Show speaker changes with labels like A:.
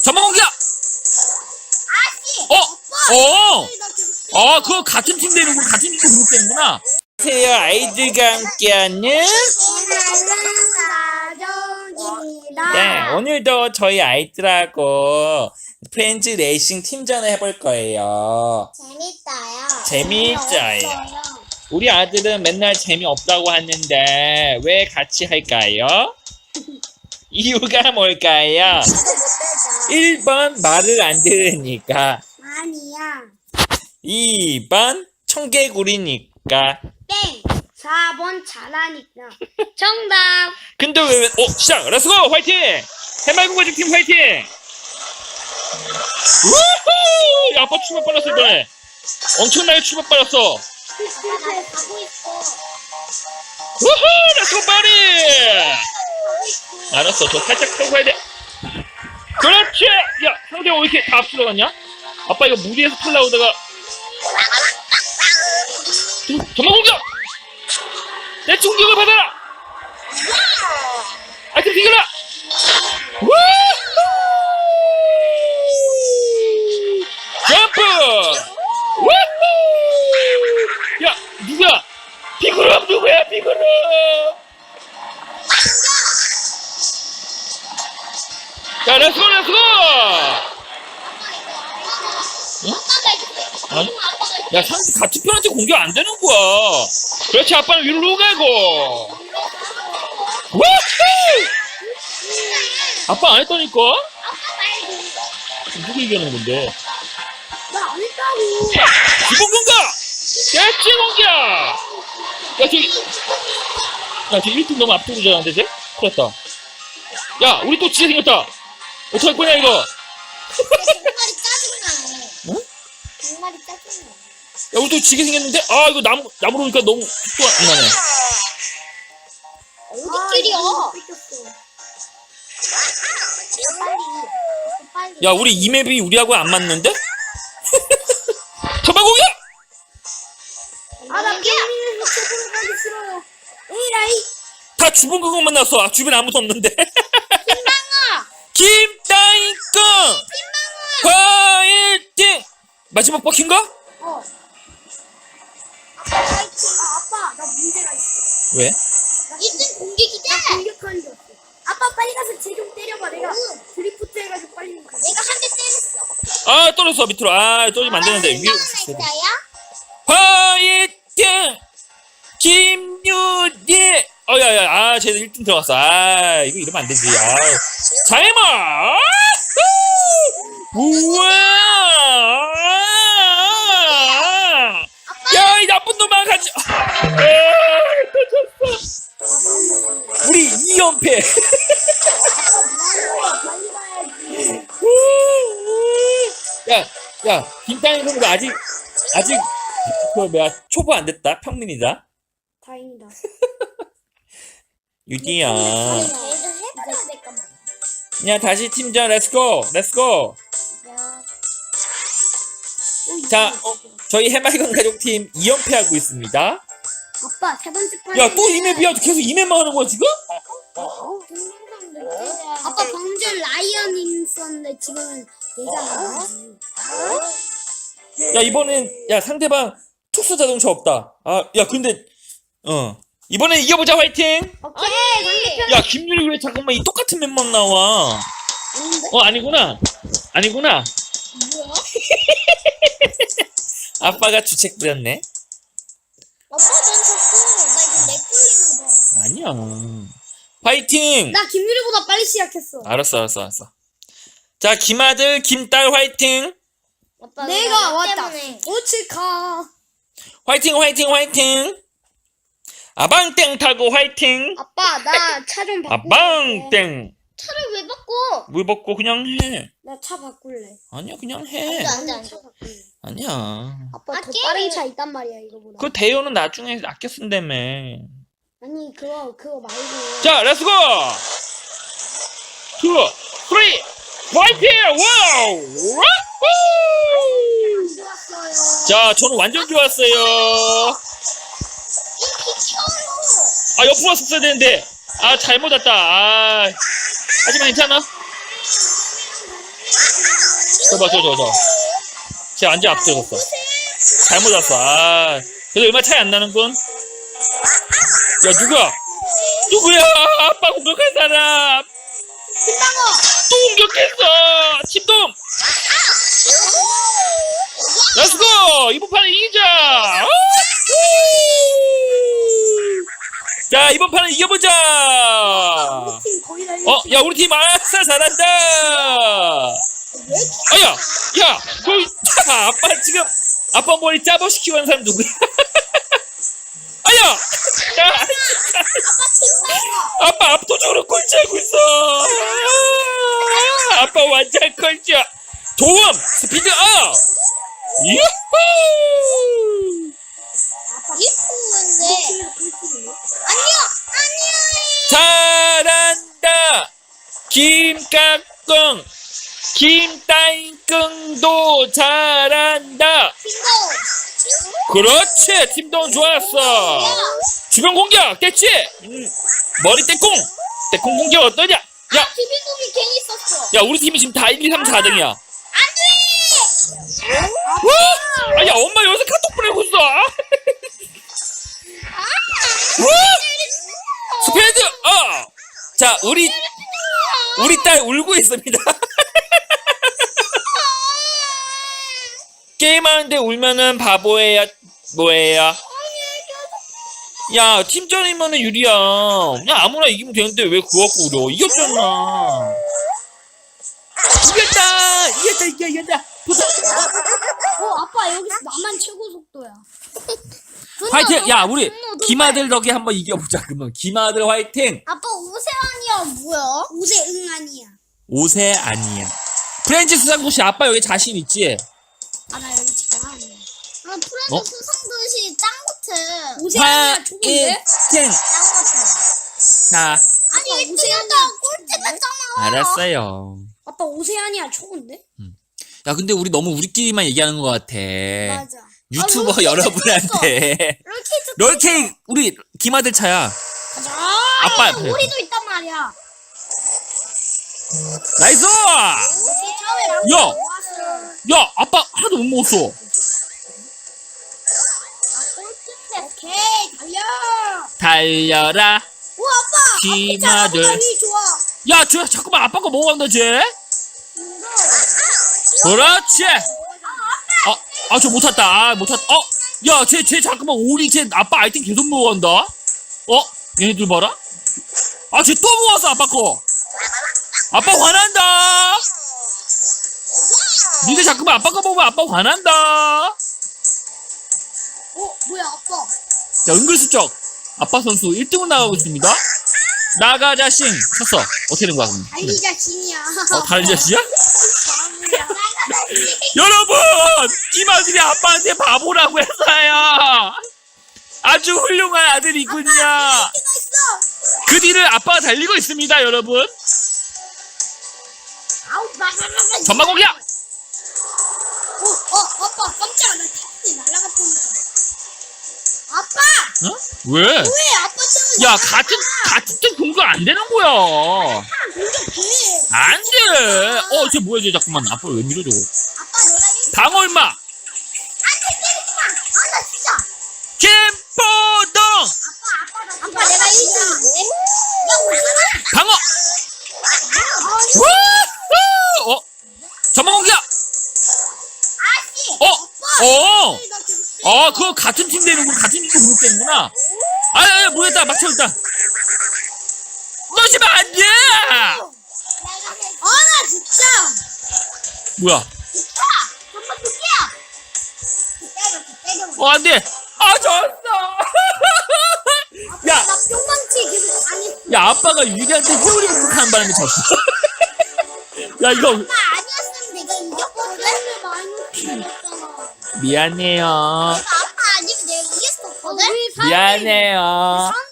A: 전방 공격!
B: 아씨.
A: 그거 같은 팀 되는구나. 같은 팀 그룹 되는구나. 안녕하세요. 아이들과 함께하는
B: 가족입니다.
A: 네, 오늘도 저희 아이들하고 프렌즈 레이싱 팀전을 해볼 거예요. 재밌어요. 우리 아들은 맨날 재미없다고 하는데 왜 같이 할까요? 이유가 뭘까요? 1번 말을 안 들으니까,
B: 아니야.
A: 2번 청개구리니까.
B: 땡. 4번 잘하니까. 정답.
A: 근데 왜 시작! 렛츠고! 화이팅! 해맑은 가족팀 화이팅! 우후! 야, 아빠 출발 빨랐어 이번에. 엄청나게 출발 빨랐어.
B: 나 가고 있어.
A: 우후! 렛츠고 빨리! 알았어, 저 살짝 타고 가야 돼. 그렇지! 야, 상대가 왜 이렇게 다 앞서러 갔냐? 아빠 이거 무리해서 탈라오다가 전방 공격! 내 충격을 받아라! 아이템 비겨라! 우후! 점프! 우후! 야, 누구야? 비그룹 누구야, 비그룹! 자, 렛츠고, 렛츠고! 응? 아니? 야, 같은 편한테 공격 안 되는 거야. 그렇지, 아빠는 위로 가고. 우후! 아빠 안 했다니까? 누구 얘기하는 건데?
B: 나 안 했다고.
A: 기본 공격! 대치 공격! 야, 쟤 1등 너무 앞두고 자는데, 쟤? 큰일 났다. 야, 우리 또 지게 생겼다! 어떡할 거냐, 이거?
B: 정말이 짜증나.
A: 응?
B: 정말이 짜증나.
A: 야, 우리 또 지게 생겼는데? 아, 이거 나무로 오니까 너무 속도가 안 나네.
B: 어디끼리야? 빨리.
A: 야, 우리 이 맵이 우리하고 안 맞는데? 전방 공격!
B: 나 게임에서 최고로 가기 싫어요. 에라이.
A: 다 주변 그것만 나왔어. 아, 주변에 아무도 없는데.
B: 김방아.
A: 김따이꺼! 화이팅! 마지막 바뀐가?
B: 아빠, 나 문제가 있어.
A: 왜?
B: 1등 공격이다. 나 공격하는 게 없어. 아빠 빨리 가서 쟤 좀 때려봐. 내가 드리프트 해가지고 빨리 가. 내가 한 대 때렸어.
A: 아, 떨어졌어, 밑으로. 아, 떨어지면 안 되는데. 위로.
B: 나야?
A: 화이팅! 김유리! 야, 아, 쟤들 1등 들어갔어. 아, 이거 이러면 안 되지. 아. 자이마! 우와! 야, 이 나쁜 놈아, 가지! 터졌어. 우리 2연패. 야, 김땅이 그럼 아직, 초보 안 됐다. 평민이다.
B: 다행이다.
A: 유디야.
B: 해봐야 될까 말.
A: 야, 다시 팀전, 렛츠고! 자, 저희 해맑은 가족팀 2연패하고 있습니다.
B: 아빠, 세 번째 판.
A: 야, 또 이 맵이야? 계속 이 맵만 하는 거야, 지금?
B: 아빠, 방금 전 라이언 있었는데 지금은 얘가 나지.
A: 야, 이번엔, 야, 상대방 특수 자동차 없다. 아, 야, 근데, 이번엔 이겨보자, 화이팅!
B: 오케이, 상대편.
A: 야, 김유리 왜 잠깐만 이 똑같은 맵만 나와?
B: 아닌데?
A: 아니구나.
B: 뭐야?
A: 아빠가 주책 부렸네.
B: 아빠, 난 자꾸, 나 이거 렉 걸리나 봐.
A: 아니야. 화이팅!
B: 나 김유리보다 빨리 시작했어.
A: 알았어. 자, 김아들, 김딸 화이팅!
B: 내가 왔다. 오치카.
A: 화이팅! 아방땡 타고 화이팅!
B: 아빠, 나 차 좀 바꿀래.
A: 아방땡!
B: 차를 왜 바꿔?
A: 물 벗고 그냥 해.
B: 나 차 바꿀래.
A: 아니야, 그냥 해.
B: 안 돼. 차 바꿀래.
A: 아니야.
B: 아빠, 더 빠른 차 있단 말이야, 이거보다.
A: 그 대요는 나중에 아껴 쓴다며.
B: 아니, 그거 말고.
A: 자, 렛츠고! 2, 3, 화이팅! 와우! 와우! 자, 저는 완전 좋았어요. 아, 옆으로 왔었어야 되는데. 아, 잘못 왔다. 아, 하지만 괜찮아. 저. 쟤 완전 앞서갔어. 잘못 왔어. 아, 그래도 얼마 차이 안 나는군. 야, 누구야? 아빠 공격한 사람.
B: 김방어.
A: 또 공격했어. 침동. 렛츠고! 이번 판에 이기자! 자, 이번 판에 이겨보자!
B: 팀 거의 다
A: 야, 우리 팀 아싸 잘한다! 야, 아빠 지금, 아빠 머리 짜버시키고 하는 사람 누구야? 아빠 압도적으로 꼴찌하고 있어! 아빠 완전 꼴찌야! 도움! 스피드 업! 유후!
B: 이쁘는데. 안녕.
A: 잘한다! 김깍꿍! 김따잉꿍도 잘한다! 그렇지! 팀동 좋았어! 주변 공격! 됐지? 머리 떼콩! 떼콩 공격 어떠냐? 야!
B: 비빔국이 괜히 썼어.
A: 야, 우리 팀이 지금 다 1, 2, 3, 4등이야. 야, 엄마 여기서 카톡 보내고 있어! 스피드 업! 자, 우리 딸 울고 있습니다. 게임하는데 울면은 바보예요. 뭐예요? 야, 팀전이면은 유리야. 그냥 아무나 이기면 되는데 왜 그거 갖고 울어? 이겼잖아. 이겼다.
B: 아빠 여기서 나만 최고 속도야.
A: 화이팅! 야, 우리 김아들 덕에 한번 이겨보자. 그러면 김아들 화이팅!
B: 아빠 오세아니야 뭐야? 오세응 아니야.
A: 오세 아니야. 프렌치 수상도시 아빠 여기 자신 있지?
B: 아 나 여기 지금. 프렌치
A: 어?
B: 수상도시 짱 같아. 오세아니야 좋은데?
A: 화이팅!
B: 짱 같아.
A: 자,
B: 아니 1등이었다 꼴찌했잖아.
A: 알았어요.
B: 아빠 오세아니야 좋은데?
A: 야, 근데 우리 너무 우리끼리만 얘기하는 것 같아.
B: 맞아.
A: 유튜버 여러분한테. 롤케이크 우리 김아들 차야.
B: 가자.
A: 아빠 옆에.
B: 우리도 있단 말이야.
A: 나이스! 야, 아빠 하나도 못 먹었어.
B: 오케이 달려.
A: 달려라.
B: 오 아빠.
A: 김아들.
B: 좋아.
A: 야, 잠깐만 아빠 거 먹어간다 쟤. 그렇지. 저 못 탔다. 못 탔다. 야, 쟤 잠깐만 오리 쟤 아빠 아이템 계속 먹어간다. 얘네들 봐라. 쟤 또 먹었어 아빠 거. 아빠 화난다. 니들 자꾸만 아빠 거 먹으면 아빠 화난다.
B: 뭐야 아빠.
A: 자, 은근슬쩍 아빠 선수 1등으로 나가고 있습니다. 나가 자신 쳤어. 어떻게 된 거야 그럼?
B: 달리 자신이야.
A: 다른 자식이야?
B: 바보야.
A: 여러분! 김아들이 아빠한테 바보라고 했어요. 아주 훌륭한 아들이군요. 그 뒤를 아빠가 달리고 있습니다, 여러분. 전방공격!
B: 아빠 깜짝이야. 나 태풍이 날아갔다니까. 아빠!
A: 어? 왜?
B: 왜 아빠 때문에?
A: 야, 같은 팀 공격 안 되는 거야.
B: 공격해.
A: 안 돼! 쟤 뭐야, 쟤 잠깐만. 아빠 왜 밀어, 저거?
B: 아빠 내가 1등.
A: 방어, 임마!
B: 안돼 때리지 마. 나 진짜.
A: 김포동!
B: 아빠 내가 1등. 야 오지마.
A: 방어! 우후! 전방공격!
B: 아씨.
A: 그거 같은 팀 되는구나. 같은 팀 공격되는구나. 뭐였다. 막혀있다. 넣으시면 안 돼!
B: 나 진짜.
A: 뭐야?
B: 진짜. 정말 진짜. 때려.
A: 안 돼! 졌어! 야!
B: 나 뿅망치 계속 당했어.
A: 야, 아빠가 유리한테 회오리 공격하는 바람에 졌어. 야, 이거.
B: 아빠 아니었으면 내가 이겼거든. 마이너스 먹었잖아.
A: 미안해요.
B: 아빠 아니면 내가 이겼었거든.
A: 미안해요.